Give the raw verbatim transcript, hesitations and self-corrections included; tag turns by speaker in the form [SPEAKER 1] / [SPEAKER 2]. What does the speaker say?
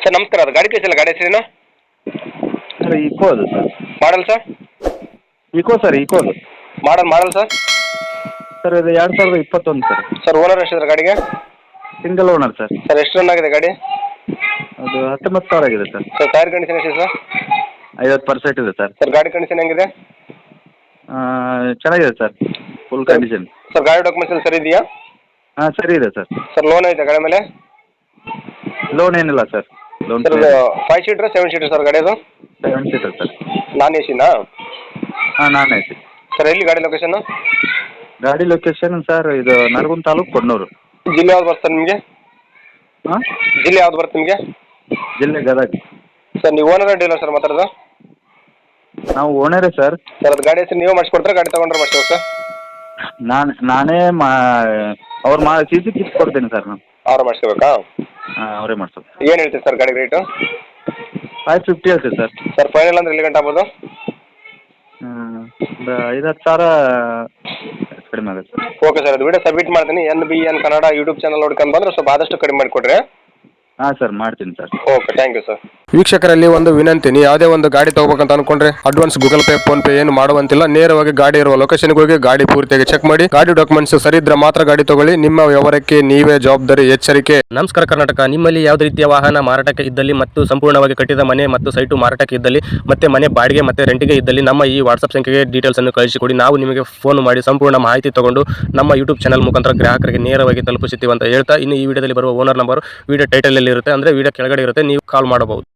[SPEAKER 1] Sir ನಮಸ್ಕಾರ, ಅದು ಗಾಡಿ ಕಳಿಸಿಲ್ಲ, ಗಾಡಿ ಹೆಸರೇನು?
[SPEAKER 2] ಸರ್ ಈಕೋ ಅದು sir.
[SPEAKER 1] Model sir?
[SPEAKER 2] Eeco sir, Eeco ಅದು.
[SPEAKER 1] Model model sir?
[SPEAKER 2] ಸರ್ ಇದು ಎರಡು ಸಾವಿರದ ಇಪ್ಪತ್ತೊಂದು ಸರ್.
[SPEAKER 1] ಸರ್ ಓನರ್ ಎಷ್ಟಿದ್ದಾರೆ ಗಾಡಿಗೆ?
[SPEAKER 2] Single owner sir.
[SPEAKER 1] ಸರ್ ಎಷ್ಟು ರನ್ ಆಗಿದೆ ಗಾಡಿ?
[SPEAKER 2] ಅದು ಹತ್ತೊಂಬತ್ತು ಸಾವಿರ ಆಗಿದೆ ಸರ್.
[SPEAKER 1] ಸರ್ ಟೈರ್ ಕಂಡೀಷನ್ ಎಷ್ಟಿದೆ ಸರ್?
[SPEAKER 2] ಐವತ್ತು ಪರ್ಸೆಂಟ್ ಇದೆ ಸರ್.
[SPEAKER 1] ಸರ್ ಗಾಡಿ ಕಂಡೀಷನ್ ಹೆಂಗಿದೆ?
[SPEAKER 2] ಚೆನ್ನಾಗಿದೆ ಸರ್, ಫುಲ್ ಕಂಡೀಷನ್.
[SPEAKER 1] ಸರ್ ಗಾಡಿ ಡಾಕ್ಯುಮೆಂಟ್ಸ್ ಎಲ್ಲ ಸರಿ ಇದೆಯಾ?
[SPEAKER 2] ಹಾಂ ಸರಿ ಇದೆ ಸರ್.
[SPEAKER 1] ಸರ್ ಲೋನ್ ಐತೆ ಗಾಡಿ ಮೇಲೆ?
[SPEAKER 2] ಲೋನ್ ಏನಿಲ್ಲ sir. Loan
[SPEAKER 1] sir five seater seven seater sir ಗಾಡಿ ಅದು?
[SPEAKER 2] Seven seater sir.
[SPEAKER 1] Non A ಸಿನಾ?
[SPEAKER 2] ಹಾಂ ನಾನ್ ಎ ಸಿ.
[SPEAKER 1] ಸರ್ ಎಲ್ಲಿ ಗಾಡಿ ಲೊಕೇಶನ್?
[SPEAKER 2] ಗಾಡಿ ಲೊಕೇಶನ್ ಸರ್ ಇದು ನರಗುಂದ ತಾಲೂಕು ಕೊಣ್ಣೂರು.
[SPEAKER 1] ಜಿಲ್ಲೆ ಯಾವ್ದು ಬರ್ತದೆ ನಿಮಗೆ?
[SPEAKER 2] ಹಾಂ
[SPEAKER 1] ಜಿಲ್ಲೆ ಯಾವ್ದು ಬರುತ್ತೆ ನಿಮಗೆ?
[SPEAKER 2] ಜಿಲ್ಲೆ ಗದಗ.
[SPEAKER 1] ಸರ್ ನೀವು ಓನರ್ ಡೀಲರ್ ಸರ್ ಮಾತಾಡೋದು?
[SPEAKER 2] ನಾವು ಓನರೇ ಸರ್.
[SPEAKER 1] ಸರ್ ಅದು ಗಾಡಿ ಹೆಸರು ನೀವೇ ಮಾಡಿಸ್ಕೊಡ್ತಾರೆ, ಗಾಡಿ ತೊಗೊಂಡ್ರೆ ಮಾಡಿಸ್ಬೇಕು ಸರ್?
[SPEAKER 2] ನಾನು ನಾನೇ ಮಾ ಅವ್ರು ಮಾ ಸಿ ಸಿ ಕಿತ್ ಕೊಡ್ತೀನಿ ಸರ್ ನಾನು.
[SPEAKER 1] ಅವ್ರು ಮಾಡಿಸ್ಕೋಬೇಕಾ?
[SPEAKER 2] ಹಾಂ ಅವರೇ ಮಾಡಿಸೋದು.
[SPEAKER 1] ಏನು ಹೇಳ್ತೀವಿ ಸರ್ ಗಾಡಿ ರೇಟು?
[SPEAKER 2] ಫೈವ್ ಫಿಫ್ಟಿ ಹೇಳ್ತೀವಿ ಸರ್.
[SPEAKER 1] ಸರ್ ಫೈನಲ್ ಅಂದ್ರೆ ಎಲ್ಲಿ ಗಂಟೆ ಆಗ್ಬೋದು?
[SPEAKER 2] ಒಂದು ಐದು ಹತ್ತು ಸಾವಿರ ಕಡಿಮೆ ಆಗುತ್ತೆ ಸರ್.
[SPEAKER 1] ಓಕೆ ಸರ್, ಅದು ವಿಡಿಯೋ ಸಬ್ಮಿಟ್ ಮಾಡ್ತೀನಿ. N B N Kannada YouTube channel ನೋಡ್ಕೊಂಡು ಬಂದರೆ ಸ್ವಲ್ಪ ಆದಷ್ಟು ಕಡಿಮೆ ಮಾಡಿಕೊಡ್ರಿ.
[SPEAKER 2] ಹಾಂ ಸರ್ ಮಾಡ್ತೀನಿ sir.
[SPEAKER 1] Okay, thank you sir.
[SPEAKER 3] ವೀಕ್ಷಕರಲ್ಲಿ ಒಂದು ವಿನಂತಿ, ನೀವು ಯಾವುದೇ ಒಂದು ಗಾಡಿ ತಗೋಬೇಕಂತ ಅನ್ಕೊಂಡ್ರೆ advance Google Pay PhonePe ಏನು ಮಾಡುವಂತಿಲ್ಲ. ನೇರವಾಗಿ ಗಾಡಿ ಇರುವ ಲೊಕೇಶನ್ಗೆ ಹೋಗಿ ಗಾಡಿ ಪೂರ್ತಿಯಾಗಿ ಚೆಕ್ ಮಾಡಿ, ಗಾಡಿ ಡಾಕ್ಯುಮೆಂಟ್ಸ್ ಸರಿ ಇದ್ರೆ ಮಾತ್ರ ಗಾಡಿ ತಗೊಳ್ಳಿ. ನಿಮ್ಮ ವ್ಯವಹಾರಕ್ಕೆ ನೀವೇ ಜವಾಬ್ದಾರಿ. ಎಚ್ಚರಿಕೆ.
[SPEAKER 4] ನಮಸ್ಕಾರ ಕರ್ನಾಟಕ. ನಿಮ್ಮಲ್ಲಿ ಯಾವುದೇ ರೀತಿಯ ವಾಹನ ಮಾರಾಟಕ್ಕೆ ಇದ್ದಲ್ಲಿ ಮತ್ತು ಸಂಪೂರ್ಣವಾಗಿ ಕಟ್ಟಿದ ಮನೆ ಮತ್ತು ಸೈಟು ಮಾರಾಟಕ್ಕೆ ಇದ್ದಲ್ಲಿ ಮತ್ತೆ ಮನೆ ಬಾಡಿಗೆ ಮತ್ತೆ ರೆಂಟಿಗೆ ಇದ್ದಲ್ಲಿ ನಮ್ಮ ಈ ವಾಟ್ಸ್ಆಪ್ ಸಂಖ್ಯೆಗೆ ಡೀಟೇಲ್ಸ್ ಅನ್ನು ಕಳಿಸಿಕೊಡಿ. ನಾವು ನಿಮಗೆ ಫೋನ್ ಮಾಡಿ ಸಂಪೂರ್ಣ ಮಾಹಿತಿ ತಗೊಂಡು ನಮ್ಮ ಯೂಟ್ಯೂಬ್ ಚಾನಲ್ ಮುಖಾಂತರ ಗ್ರಾಹಕರಿಗೆ ನೇರವಾಗಿ ತಲುಪಿಸುತ್ತೀವಿ ಅಂತ ಹೇಳ್ತಾ, ಇನ್ನು ಈ ವಿಡಿಯೋದಲ್ಲಿ ಬರುವ ಓನರ್ ನಂಬರ್ ವಿಡಿಯೋ ಟೈಟಲ್ ಅಲ್ಲಿ ಇರುತ್ತೆ, ಅಂದ್ರೆ ವಿಡಿಯೋ ಕೆಳಗಡೆ ಇರುತ್ತೆ, ನೀವು ಕಾಲ್ ಮಾಡಬಹುದು.